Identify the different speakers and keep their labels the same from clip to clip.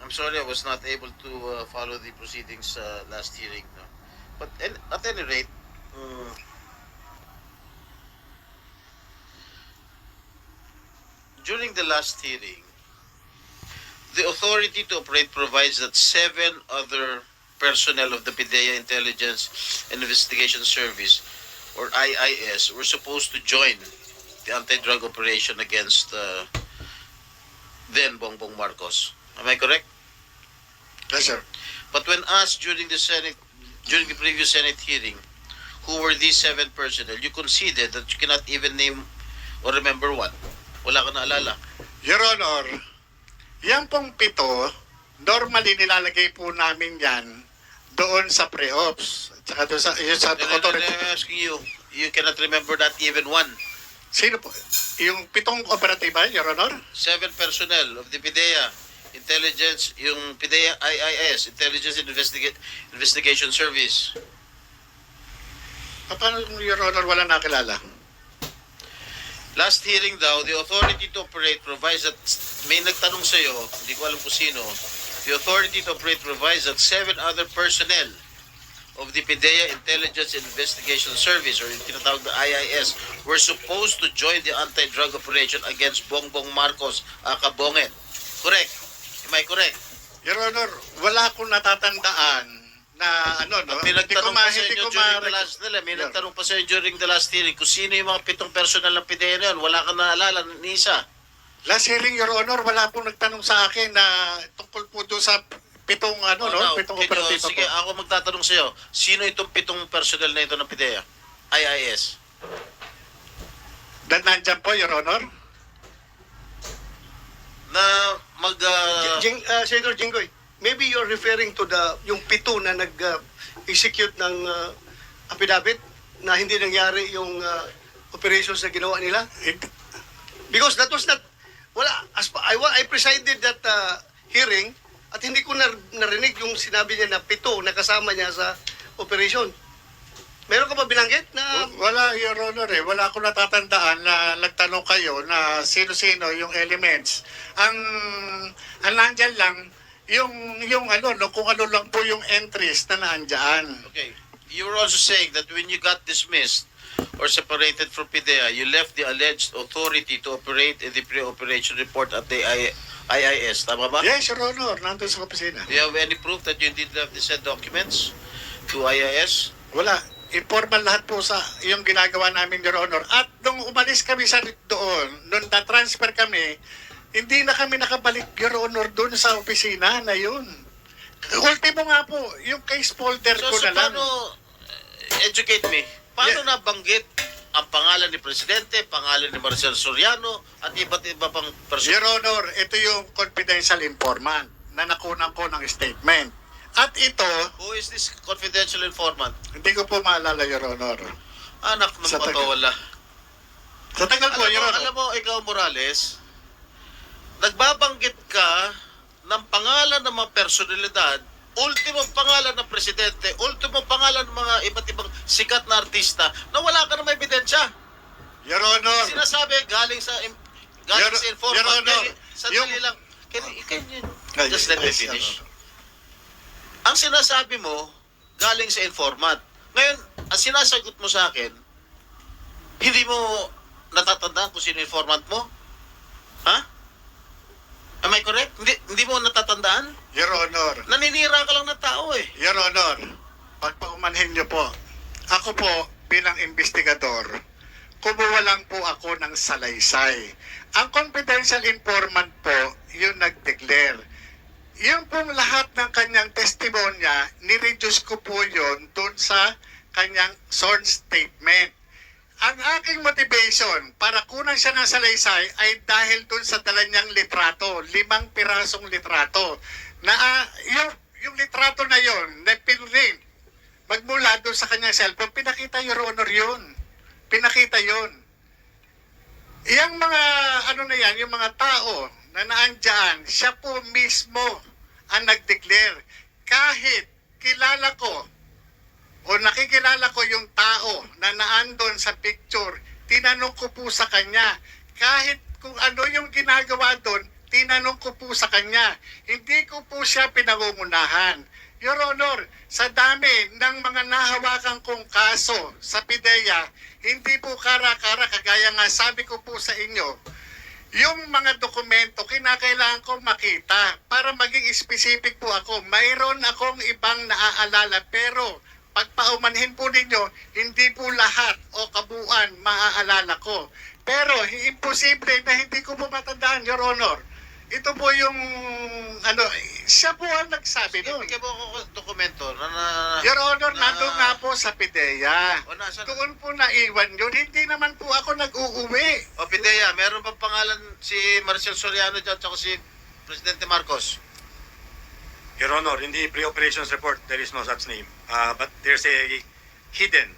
Speaker 1: I'm sorry I was not able to follow the proceedings last hearing. No? But at any rate, during the last hearing, the authority to operate provides that 7 other personnel of the PIDEA Intelligence and Investigation Service, or IIS, were supposed to join the anti-drug operation against then Bongbong Marcos. Am I correct?
Speaker 2: Yes, sir.
Speaker 1: But when asked during the previous Senate hearing, who were these 7 personnel, you conceded that you cannot even name or remember one. Wala ka naalala.
Speaker 2: Your Honor, yan pong 7, normally nilalagay po namin yan doon sa pre-ops. Tsaka doon sa, yun sa authority.
Speaker 1: I'm asking you, you cannot remember that even one.
Speaker 2: Sino po? Yung 7 operatiba, Your Honor?
Speaker 1: 7 personnel of the PIDEA Intelligence, yung PIDEA IIS, Intelligence and Investigation Service.
Speaker 2: Paano, Your Honor, wala nakilala?
Speaker 1: Last hearing daw, the authority to operate provides that, may nagtanong sa'yo, hindi ko alam kung sino, the authority to operate provides that 7 other personnel of the PIDEA Intelligence and Investigation Service, or yung tinatawag na IIS, were supposed to join the anti-drug operation against Bongbong Marcos, Kabongen. Correct? Am I correct?
Speaker 2: Your Honor, wala akong natatandaan na ano, no?
Speaker 1: May nagtanong pa sa inyo during the last
Speaker 2: May
Speaker 1: nagtanong pa sa inyo during the last hearing kung sino yung mga 7 personal ng PIDEA na yun. Wala kang naalala ni isa.
Speaker 2: Last hearing, Your Honor, wala pong nagtanong sa akin na tungkol po doon sa 7 ano, no? 7 operatiba po.
Speaker 1: Sige, ako magtatanong sa iyo. Sino itong 7 personal na ito ng PIDEA? IIS.
Speaker 2: Nandyan po, Your Honor?
Speaker 1: Na mag...
Speaker 3: Senator Jinggoy, maybe you're referring to yung 7 na nag-execute ng affidavit na hindi nangyari yung operations na ginawa nila? Because that was not, wala, I presided that hearing at hindi ko narinig yung sinabi niya na 7 na kasama niya sa operation. Meron ka ba binanggit na...
Speaker 2: Wala, Your Honor, eh. Wala akong natatandaan na nagtanong kayo na sino-sino yung elements. Ang nandyan lang, yung ano, no, kung ano lang po yung entries na naandyan.
Speaker 1: Okay. You were also saying that when you got dismissed or separated from PIDEA, you left the alleged authority to operate in the pre-operation report at the IIS. Tama ba?
Speaker 2: Yes, Your Honor, nandun sa opisina.
Speaker 1: Do you have any proof that you did have the said documents to IIS?
Speaker 2: Wala. Informal lahat po sa yung ginagawa namin, Your Honor. At nung umalis kami sa doon, nung na-transfer kami, hindi na kami nakabalik, Your Honor, doon sa opisina na yun. Ultimo nga po, yung case folder ko na lang.
Speaker 1: Paano, educate me, paano nabanggit ang pangalan ni Presidente, pangalan ni Marcel Soriano, at iba't iba pang
Speaker 2: Your
Speaker 1: person?
Speaker 2: Honor, ito yung confidential informant na nakunan ko ng statement. At ito,
Speaker 1: Who is this confidential informant?
Speaker 2: hindi ko po maalala, Your Honor.
Speaker 1: Anak ng
Speaker 2: Sa taga-
Speaker 1: patawala.
Speaker 2: Sa tagal po, Your Honor.
Speaker 1: Alam mo, ikaw Morales, nagbabanggit ka ng pangalan ng mga personalidad, ultimong pangalan ng presidente, ultimong pangalan ng mga iba't ibang sikat na artista na wala ka na may ebidensya.
Speaker 2: Your Honor,
Speaker 1: Sinasabi galing sa informant.
Speaker 2: Your Honor,
Speaker 1: Sandali
Speaker 2: yung-
Speaker 1: lang. Can you just let me
Speaker 2: Yes, Your
Speaker 1: finish?
Speaker 2: Honor.
Speaker 1: Ang sinasabi mo, galing sa informant. Ngayon, ang sinasagot mo sa akin, hindi mo natatandaan kung sino informant mo? Ha? Am I correct? Hindi mo natatandaan?
Speaker 2: Your Honor,
Speaker 1: Naninira ka lang ng tao eh.
Speaker 2: Your Honor, pagpaumanhin niyo po, ako po bilang investigador, kumuha lang po ako ng salaysay. Ang confidential informant po, yung nag-declare. Yung pong lahat ng kanyang testimonya, ni-reduce ko po yun dun sa kanyang sworn statement. Ang aking motivation para kunan siya ng salaysay ay dahil dun sa dala niyang litrato, 5 pirasong litrato. Na yung litrato na yon, na pinrint, magmula dun sa kanyang cellphone, pinakita, Your Honor, yun. Pinakita yun. Iyang mga, ano na yan, yung mga tao na naandyan, siya po mismo ang nag-declare. Kahit kilala ko o nakikilala ko yung tao na naandon sa picture, tinanong ko po sa kanya, kahit kung ano yung ginagawa doon, tinanong ko po sa kanya. Hindi ko po siya pinangungunahan. Your Honor, sa dami ng mga nahawakan kong kaso sa PIDEA, hindi po kara-kara, kagaya nga sabi ko po sa inyo, yung mga dokumento, kinakailangan ko makita para maging specific po ako. Mayroon akong ibang naaalala, pero pagpaumanhin po ninyo, hindi po lahat o kabuuan maaalala ko. Pero imposible na hindi ko po matandaan, Your Honor. Ito po yung, siya po ang nagsabi doon.
Speaker 1: Bigyan mo ako dokumento na
Speaker 2: Your Honor, nandun nga po sa PIDEA.
Speaker 1: O, nasaan?
Speaker 2: Doon po naiwan yun. Hindi naman po ako nag-uuwi.
Speaker 1: O, Pidea, meron bang pangalan si Marcel Soriano dyan at si Presidente Marcos?
Speaker 4: Your Honor, in the pre-operations report, there is no such name. But there's a hidden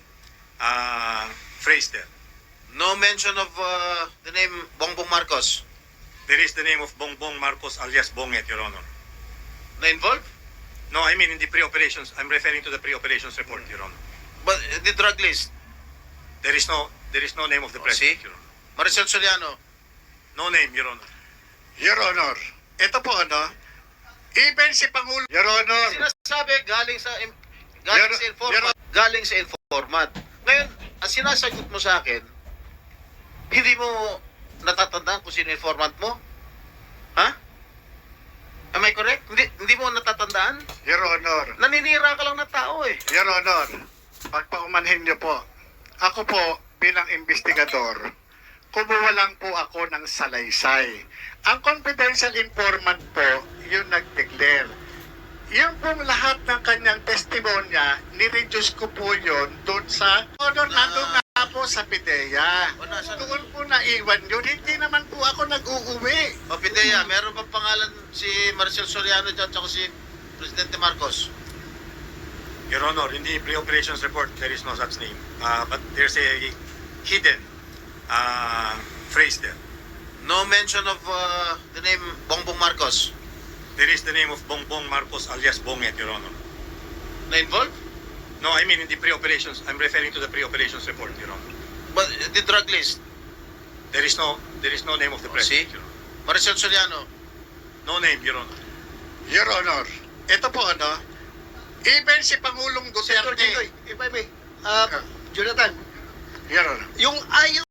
Speaker 4: phrase there.
Speaker 1: No mention of the name Bongbong Marcos
Speaker 4: There is the name of Bongbong Marcos alias Bonget, Your Honor.
Speaker 1: na involved?
Speaker 4: No, I mean in the pre-operations. I'm referring to the pre-operations report, Your Honor.
Speaker 1: But the drug list?
Speaker 4: There is no name of the
Speaker 1: Oh,
Speaker 4: president,
Speaker 1: see?
Speaker 4: Your Honor.
Speaker 1: Marcel Soriano?
Speaker 4: No name, Your Honor.
Speaker 2: Your Honor, ito po even si Pangulo, Your Honor,
Speaker 1: Sinasabi galing sa
Speaker 2: Your-
Speaker 1: informant. Galing sa informant. Ngayon, ang sinasagot mo sa akin, hindi mo natatandaan kung sino informant mo? Ha? Am I correct? Hindi mo natatandaan?
Speaker 2: Your Honor,
Speaker 1: Naninira ka lang ng tao eh.
Speaker 2: Your Honor, pagpaumanhin niyo po, ako po bilang investigador, kumuha lang po ako ng salaysay. Ang confidential informant po, yung nag-declare. Yung pong lahat ng kanyang testimonya, nireduce ko po yun doon sa Honor, nandun nga po sa PIDEA.
Speaker 1: O, nasaan?
Speaker 2: Doon po naiwan yun. Hindi naman po ako nag-uuwi.
Speaker 1: O, Pidea, meron bang pangalan si Marcel Soriano dyan at si Presidente Marcos?
Speaker 4: Your Honor, in the pre-operations report, there is no such name. But there's a hidden phrase there.
Speaker 1: No mention of the name Bongbong Marcos
Speaker 4: There is the name of Bongbong Marcos alias Bonget, Your Honor.
Speaker 1: na involved?
Speaker 4: No, I mean in the pre-operations. I'm referring to the pre-operations report, Your Honor.
Speaker 1: But the drug list?
Speaker 4: There is no name of the
Speaker 1: Oh,
Speaker 4: president,
Speaker 1: see?
Speaker 4: Your Honor.
Speaker 1: Marcel Soriano?
Speaker 4: No name, Your Honor.
Speaker 2: Your Honor, ito po even si Pangulong
Speaker 3: Senator
Speaker 2: Duterte,
Speaker 3: Jinggoy, if I may, Jonathan,
Speaker 2: Your Honor,
Speaker 3: yung ayaw